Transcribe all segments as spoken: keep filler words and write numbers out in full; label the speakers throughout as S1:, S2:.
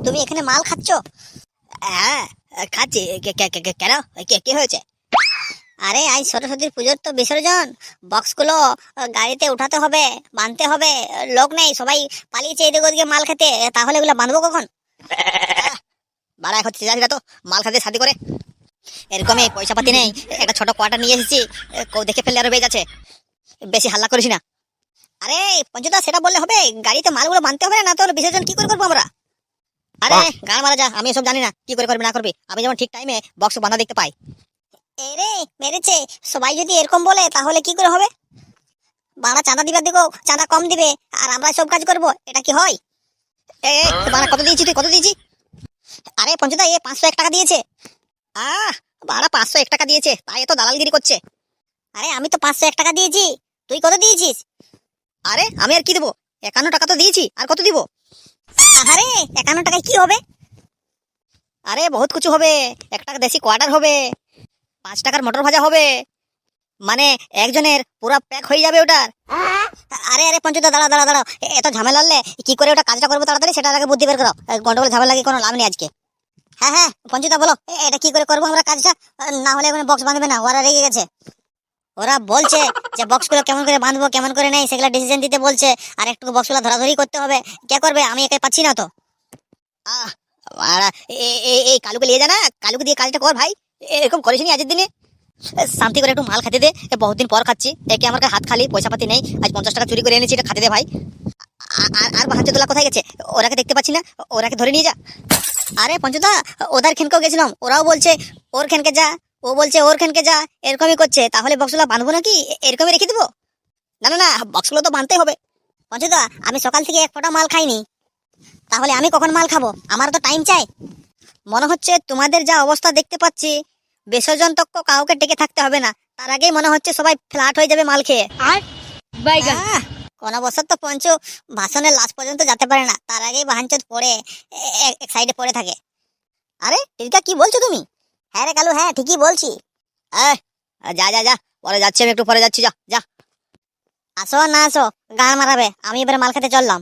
S1: তুমি এখানে মাল খাচ্ছ?
S2: হ্যাঁ খাচ্ছি। কে- কে- কে- কে- কেন কে- কি হয়েছে?
S1: আরে আজ সরস্বতীর পুজোর তো বিসর্জন, বক্সগুলো গাড়িতে উঠাতে হবে, বাঁধতে হবে। লোক নেই, সবাই পালিয়েছে এদিকে ওদিকে মাল খেতে, তাহলে এগুলো বাঁধবো কখন?
S2: বাড়া এখন চেঁচাচ্ছিরা তো মাল খাতে শাদি করে। এরকমই পয়সা পাতি নেই, একটা ছোট কোয়ার্টার নিয়ে এসেছি, কেউ দেখে ফেললে আরো বেজ আছে। বেশি হাল্লা করিস না।
S1: আরে পঞ্চদা, সেটা বললে হবে? গাড়িতে মালগুলো বাঁধতে হবে না, তাহলে বিসর্জন কি করে করবো আমরা?
S2: আরে গান মারা যা, আমি এসব জানি না কি করে করবি না করবি। আমি যেমন ঠিক টাইমে বক্স বাঁধা দেখতে পাই।
S1: এরে মেরেছে, সবাই যদি এরকম বলে তাহলে কি করে হবে? বাড়া চাঁদা দিবার দিকেও চাঁদা কম দিবে, আর আমরা সব কাজ করব, এটা কি হয়?
S2: এ বাড়া কত দিয়েছি তুই, কত দিয়েছি?
S1: আরে পঞ্চদা, এ পাঁচশো এক টাকা দিয়েছে।
S2: আহ বাড়া পাঁচশো এক টাকা দিয়েছে, তাই এত দালালগিরি করছে।
S1: আরে আমি তো পাঁচশো এক টাকা দিয়েছি, তুই কত দিয়েছিস?
S2: আরে আমি আর কি দেবো, একান্ন টাকা তো দিয়েছি, আর কত দিব?
S1: আরে একান্ন টাকায় কি হবে?
S2: আরে বহুত কিছু হবে। এক টাকা দেশি কোয়ার্টার হবে, পাঁচ টাকার মটর ভাজা হবে, মানে একজনের পুরা প্যাক হয়ে যাবে ওটার।
S1: আরে আরে পঞ্চদা, দাঁড়া দাঁড়া দাঁড়াও, এ- এত ঝামেলা হলে কি করে ওটা কাজটা করবো তাড়াতাড়ি, সেটা আগে বুদ্ধি বের করো। গন্ডগোল ঝামেলা লাগে কোনো লাভ নেই আজকে। হ্যাঁ হ্যাঁ পঞ্চদা বলো, এ- এটা কি করে করবো আমরা কাজটা? না হলে এখন বক্স বাঁধবে না, ওরা রেগে গেছে। ওরা বলছে যে বক্সগুলো কেমন করে বাঁধবো কেমন করে নেই সেগুলো ডিসিশন দিতে বলছে, আর একটু বক্সগুলো ধরাধরি করতে হবে। কে করবে? আমি একাই পাচ্ছি না তো।
S2: আহ বাড়া, এ- এ- এই কালুকে নিয়ে যা না, কালুকে দিয়ে কাজটা কর ভাই। এরকম করিস নি আজের দিনে। এ, শান্তি করে একটু মাল খেতে দে, এ বহুদিন পর খাচ্ছি। একে আমার কাছে হাত খালি, পয়সা পাতি নেই, আজ পঞ্চাশ টাকা চুরি করে এনেছি, এটা খাতে দে ভাই। আ- আর আর বাহাত্তর তোলা কোথায় গেছে? ওরাকে দেখতে পাচ্ছি না, ওরাকে ধরে নিয়ে যা।
S1: আরে পঞ্চদা, ওদের খেনকেও গেছিলাম, ওরাও বলছে ওর খেনকে যা, ও বলছে ওর খেনকে যা, এরকমই করছে। তাহলে বক্সগুলো বাঁধবো নাকি এ- এরকমই রেখে দেবো?
S2: না না না, বক্সগুলো তো বাঁধতেই হবে।
S1: পঞ্চদা, আমি সকাল থেকে এক ফোঁটা মাল খাইনি, তাহলে আমি কখন মাল খাবো? আমার তো টাইম চাই। মনে হচ্ছে তোমাদের যা অবস্থা দেখতে পাচ্ছি, বিসর্জন তক কাউকে টেকে থাকতে হবে না, তার আগেই মনে হচ্ছে সবাই ফ্ল্যাট হয়ে যাবে মাল খেয়ে।
S3: আর বাইগান
S1: আহ, কোন বছর তো পঞ্চ ভাষণের লাস্ট পর্যন্ত যেতে পারে না, তার আগেই বাহানচোদ পড়ে এ- এ- এক সাইডে পড়ে থাকে। আরে টিকা, কি বলছো তুমি? হ্যাঁ রে কালু, হ্যাঁ ঠিকই বলছি।
S2: এ, যা যা যা, পরে যাচ্ছি, আমি একটু পরে যাচ্ছি, যা যা।
S1: আসো আর না আসো, গান মারাবে, আমি এবারে মাল খেতে চললাম।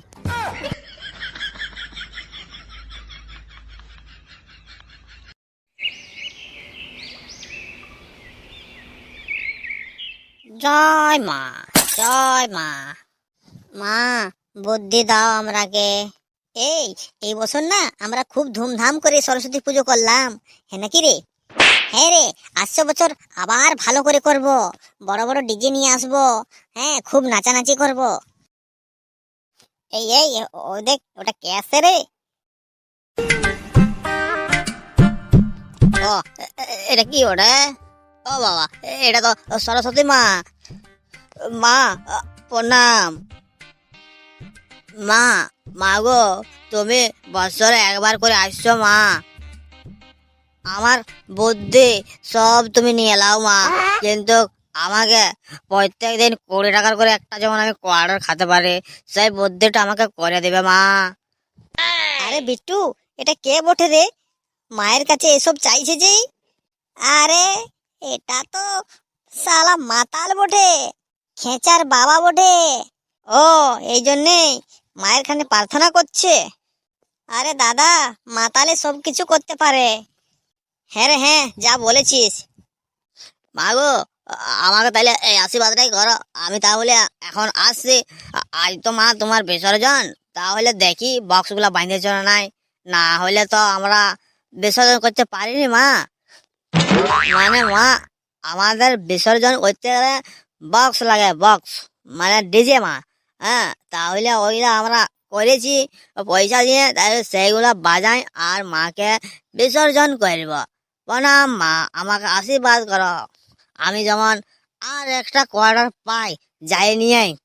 S1: জয় মা, জয় মা। মা, বুদ্ধি দাও আমরাকে। এই এই বছর না আমরা খুব ধুমধাম করে সরস্বতী পুজো করলাম, হ্যাঁ নাকি রে? হ্যাঁ রে, আসছে বছর আবার ভালো করে করব, বড় বড় ডিজে নিয়ে আসবো, হ্যাঁ খুব নাচানাচি করব। এই এই ও দেখ, ওটা কে আসছে রে?
S2: ও এ- এ- এটা কি ওটা? ও বাবা, এ- এটা তো সরস্বতী মা। মা, আ, প্রণাম। মা, মা গো, তুমি বছরে একবার করে আসছো মা। আমার বুদ্ধি সব তুমি নিয়ে এলাও মা, কিন্তু আমাকে প্রত্যেক দিন কুড়ি টাকার করে একটা যেমন আমি কোয়ার্টার খেতে পারি, সেই বুদ্ধিটা আমাকে করে দেবে মা।
S1: আরে বিট্টু, এটা কে বটে রে? মায়ের কাছে এসব চাইছে যে? আরে এটা তো শালা মাতাল বটে, খেঁচার বাবা বটে। ও, এই জন্যে মায়ের খানে প্রার্থনা করছে। আরে দাদা, মাতালে সব কিছু করতে পারে। হ্যাঁ রে হ্যাঁ, যা বলেছিস।
S2: মা গো, আ- আমাকে তাহলে এই আশীর্বাদটাই করো। আমি তাহলে এখন আসছি। আ- আজ তো মা তোমার বিসর্জন, তাহলে দেখি বক্সগুলা বাইন্ধেছ না নাই, না হলে তো আমরা বিসর্জন করতে পারিনি মা। মানে মা, আমাদের বিসর্জন করতে গেলে বক্স লাগে, বক্স মানে ডিজে মা। হ্যাঁ, তাহলে ওইগুলা আমরা করেছি পয়সা দিয়ে, তাহলে সেইগুলা বাজাই আর মাকে বিসর্জন করব। প্রণাম মা, আমাকে আশীর্বাদ করো, আমি যেমন আর একটা কোয়ার্টার পাই, যাই নিয়ে আই।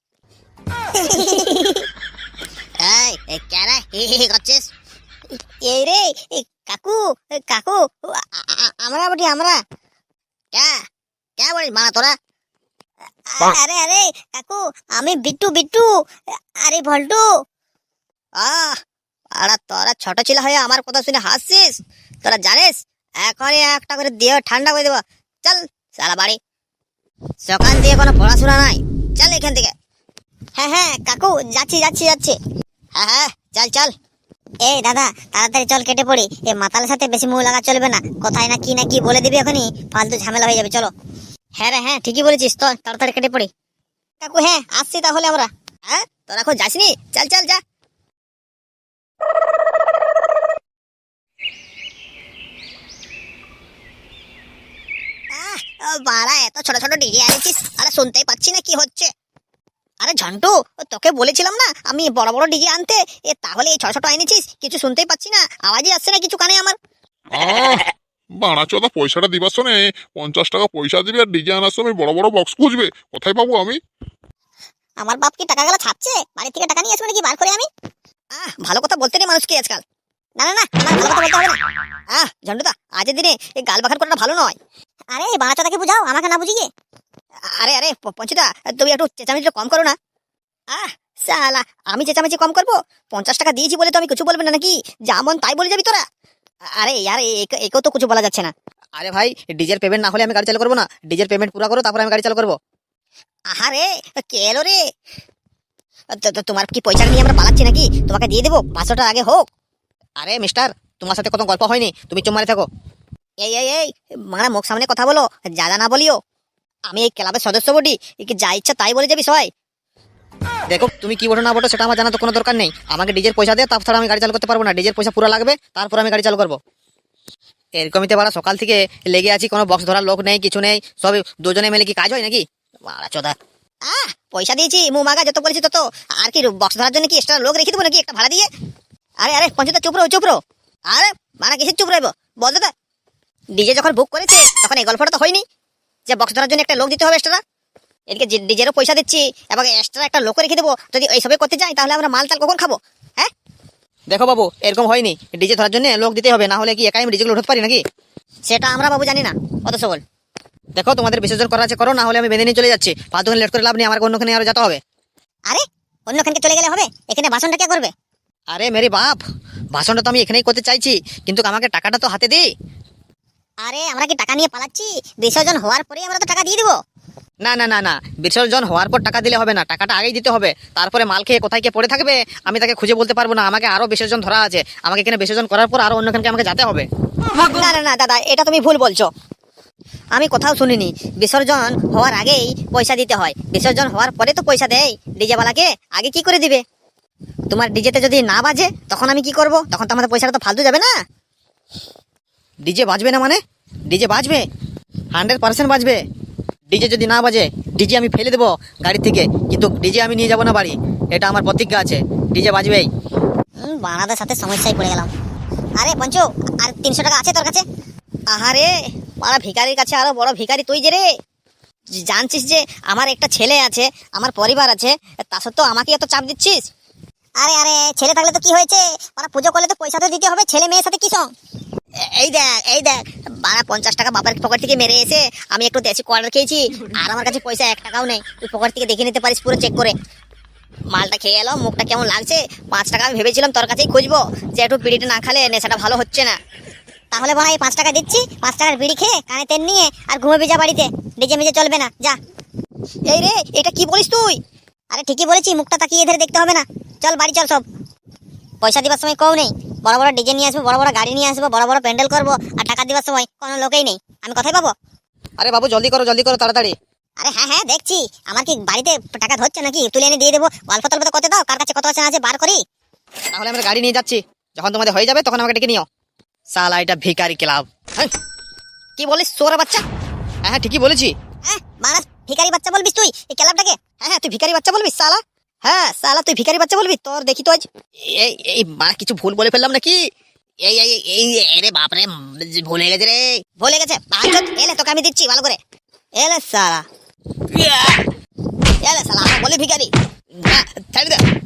S2: এই এই কেন হি হি হি করছিস?
S1: এই রে, এই কাকু, এই কাকু, আ- আ- আমরা বটি আমরা।
S2: কে কে বলিস মা তোরা?
S1: আ- আরে আরে কাকু, আমি বিট্টু বিট্টু, আরে ভল্টু।
S2: আহ আরে তোরা ছোট ছিল হয়ে আমার কথা শুনে হাসছিস? তোরা জানিস এখনই একটা করে দিয়ে ঠান্ডা করে দেবো। চল সারা বাড়ি, সকাল দিয়ে কোনো পড়াশোনা নাই, চল এখান থেকে।
S1: হ্যাঁ হ্যাঁ কাকু, যাচ্ছি যাচ্ছি যাচ্ছি।
S2: হ্যাঁ হ্যাঁ, চল চল।
S1: এই দাদা তাড়াতাড়ি চল কেটে পড়ি, এই মাতালের সাথে বেশি মুখ লাগা চলবে না, কোথায় না কি না কি বলে দিবি এখনই, ফালতু ঝামেলা হয়ে যাবে। চলো। হ্যাঁ রে হ্যাঁ ঠিকই বলেছিস, তো তাড়াতাড়ি কেটে পড়ি। কাকু হ্যাঁ আসছি তাহলে আমরা।
S2: হ্যাঁ তোরা এখন যাসনি, চল চল যা। আহ, ও বাড়া এত ছোট ছোট ডিজে আনেছিস, আরে শুনতেই পাচ্ছি না কি হচ্ছে। আরে ঝন্টু, তোকে বলেছিলাম না আমি বড় বড় ডিজে আনতে, এ তাহলে এই ছোট ছোট এনেছিস, কিছু শুনতেই পাচ্ছি না, আওয়াজই আসছে না কিছু কানে আমার।
S3: আহ বাড়াচোদা পয়সাটা দিবার শোনে, পঞ্চাশ টাকা পয়সা দিবে আর ডিজে আনার সময় বড় বড় বক্স খুঁজবে, কোথায় পাবো আমি?
S1: আমার বাপ কি টাকা গেলা ছাপছে, বাড়ি থেকে টাকা নিয়ে আসবে নাকি বার করে আমি?
S2: আহ ভালো কথা বলতে নেই মানুষকে আজকাল।
S1: না না না আমার ভালো কথা বলতে হবে না।
S2: আহ ঝন্টুদা আজের দিনে এই গাল বাখার করাটা ভালো নয়।
S1: আরে বাড়াচোদাকে বুঝাও, আমাকে না বুঝিয়ে।
S2: আরে আরে প- পঞ্চুদা তুমি একটু চেঁচামেচিটা কম করো না। আহ সালা আমি চেঁচামেচি কম করবো? পঞ্চাশ টাকা দিয়েছি বলে তো আমি কিছু বলবো না নাকি, যেমন তাই বলে যাবি তোরা? আরে यार এ- একেও তো কিছু বলা যাচ্ছে না। আরে ভাই ডিজের পেমেন্ট না হলে আমি গাড়ি চালু করবো না, ডিজের পেমেন্ট পুরো করো তারপর আমি গাড়ি চালু করবো। আহারে কে এলো রে? তো- তো তোমার কি পয়সা নিয়ে আমরা পালাচ্ছি নাকি? তোমাকে দিয়ে দেবো, পাঁচশো টাকা আগে হোক। আরে মিস্টার তোমার সাথে কত গল্প হয়নি, তুমি চুপ মারে থাকো। এই এই এই মানে মুখ সামনে কথা বলো, জাদা না বলিও। আমি এই ক্লাবের সদস্য বটি, কি যা ইচ্ছা তাই বলে যাবি সবাই। দেখো তুমি কি বটো না বটো সেটা আমার জানা তো কোনো দরকার নেই, আমাকে ডিজের পয়সা দে, তারপর আমি গাড়ি চালু করতে পারবো না, ডিজের পয়সা পুরো লাগবে তারপর আমি গাড়ি চালু করবো। এরকমইতে বাড়া সকাল থেকে লেগে আছি, কোনো বক্স ধরার লোক নেই কিছু নেই, সব দুজনে মিলে কি কাজ হয় নাকি? মারা চোদা। আহ পয়সা দিয়েছি মু মাগা যত বলেছি তত, আর কি বক্স ধরার জন্য কি এক্সট্রা লোক রেখে দেবো নাকি একটা ভাড়া দিয়ে? আরে আরে পঞ্চায়েত চুপ রো চুপ রো। আরে মানে কিসের চুপ রইবো বল দাদা? ডিজে যখন বুক করেছে তখন এই গল্পটা তো হয়নি যে বক্স ধরার জন্য একটা লোক দিতে হবে এক্সট্রা। এদিকে ডিজেরও পয়সা দিচ্ছি এবং এক্সট্রা একটা লোক রেখে দেবো, যদি এইসবে করতে যাই তাহলে আমরা মাল টাল কখন খাবো? হ্যাঁ দেখো বাবু এরকম হয়নি, ডিজে ধরার জন্য লোক দিতে হবে, না হলে কি একাই আমি ডিজেগুলো উঠাতে পারি নাকি? সেটা আমরা বাবু জানি না অত সবল। দেখো তোমাদের বিসর্জন করা আছে করো, না হলে আমি বেঁধে নিয়ে চলে যাচ্ছি, ফালতু লেট করে লাভ নেই, আমার অন্যখানে আরো যেতে হবে।
S1: আরে অন্যখানকে চলে গেলে হবে, এখানে ভাষণটা কে করবে?
S2: আরে মেরে বাপ, ভাষণটা তো আমি এখানেই করতে চাইছি, কিন্তু আমাকে টাকাটা তো হাতে দিই।
S1: আরে আমরা কি টাকা নিয়ে পালাচ্ছি? বিসর্জন হওয়ার পরে আমরা তো টাকা দিয়ে দেবো।
S2: না না না না বিসর্জন হওয়ার পর টাকা দিলে হবে না, টাকাটা আগেই দিতে হবে, তারপরে মাল খেয়ে কোথায় কে পড়ে থাকবে আমি তাকে খুঁজে বলতে পারবো না, আমাকে আরো বিসর্জন ধরা আছে, আমাকে এখানে বিসর্জন করার পর আরো অন্যখানকে আমাকে যেতে হবে। না না না দাদা এটা তুমি ভুল বলছো, আমি কোথাও শুনিনি বিসর্জন হওয়ার আগেই পয়সা দিতে হয়, বিসর্জন হওয়ার পরে তো পয়সা দেয় ডিজেওয়ালাকে, আগে কি করে দিবে? তোমার ডিজেতে যদি না বাজে তখন আমি কি করব? তখন তো আমাদের পয়সাটা তো ফালতু যাবে না। ডিজে বাজবে না মানে? ডিজে বাজবে, হান্ড্রেড পার্সেন্ট বাজবে। ডিজে যদি না বাজে ডিজে আমি ফেলে দেবো গাড়ি থেকে, কিন্তু ডিজে আমি নিয়ে যাবো না বাড়ি, এটা আমার প্রতিজ্ঞা আছে, ডিজে বাজবেই।
S1: হুম, বানাদের সাথে সমস্যায় পড়ে গেলাম। আরে পঞ্চু আর তিনশো টাকা আছে তোর কাছে?
S2: আহারে মারা ভিখারির কাছে আরো বড় ভিখারি তুই যে রে, জানছিস যে আমার একটা ছেলে আছে, আমার পরিবার আছে, তা সত্ত্বেও আমাকে এত চাপ দিচ্ছিস?
S1: আরে আরে ছেলে থাকলে তো কি হয়েছে, ওরা পুজো করলে তো পয়সা তো দিতে হবে, ছেলে মেয়ের সাথে কি সঙ্গ?
S2: এ- এই দেখ এই দেখ বারা পঞ্চাশ টাকা বাবার পকেট থেকে মেরে এসে আমি একটু দেশি কোয়ার্টার খেয়েছি, আর আমার কাছে পয়সা এক টাকাও নেই, তুই পকেট থেকে দেখে নিতে পারিস পুরো চেক করে। মালটা খেয়ে এলো, মুখটা কেমন লাগছে, পাঁচ টাকা আমি ভেবেছিলাম তোর কাছেই খুঁজবো, যে একটু বিড়িটা না খালে নেশাটা ভালো হচ্ছে না।
S1: তাহলে বড় এই পাঁচ টাকা দিচ্ছি, পাঁচ টাকার বিড়ি খেয়ে কানে তেল নিয়ে আর ঘুমাবি যা বাড়িতে, ডিজে মিজে চলবে না যা।
S2: এই রে এটা কি বলিস তুই?
S1: আরে ঠিকই বলেছি, মুখটা তাকিয়ে ধরে দেখতে হবে না, চল বাড়ি চল সব। পয়সা দিবার সময় কেউ নেই, বড় বড় ডিজে নিয়ে আসবো, বড় বড় গাড়ি নিয়ে আসবো, বড় বড় প্যান্ডেল করবো, আর টাকা দিবার সময় কোনো লোকেই নেই, আমি কোথায় পাবো?
S2: আরে বাবু জলদি করো জলদি করো তাড়াতাড়ি।
S1: আরে হ্যাঁ হ্যাঁ দেখছি, আমার কি বাড়িতে টাকা ধরছে নাকি, তুলে এনে দিয়ে দেবো, গল্প তল্প তো করতে দাও, কার কাছে কত আছে না আছে বার করি।
S2: তাহলে আমরা গাড়ি নিয়ে যাচ্ছি, যখন তোমাদের হয়ে যাবে তখন আমাকে ডেকে নিও। সালা এটা ভিখারি ক্লাব। হ্যাঁ? কি বলিস সোরা বাচ্চা? হ্যাঁ হ্যাঁ ঠিকই বলেছি।
S1: হ্যাঁ মারা ভিখারি বাচ্চা বলবিস তুই এই ক্লাবটাকে?
S2: হ্যাঁ হ্যাঁ তুই ভিখারি বাচ্চা বলবি সালা? হ্যাঁ সালা তুই ভিখারি বাচ্চা বলবি, তোর দেখি তো আজ। এই এই মা কিছু ভুল বলে ফেললাম নাকি? এই এই এই এই রে বাপ রে, ভুলে গেছে রে, ভুলে গেছে। বাঞ্চত এলে তোকে আমি দিচ্ছি ভালো করে, এলে সালা এলে সালা আমাকে বলে ভিখারি, না, ছেড়ে দে।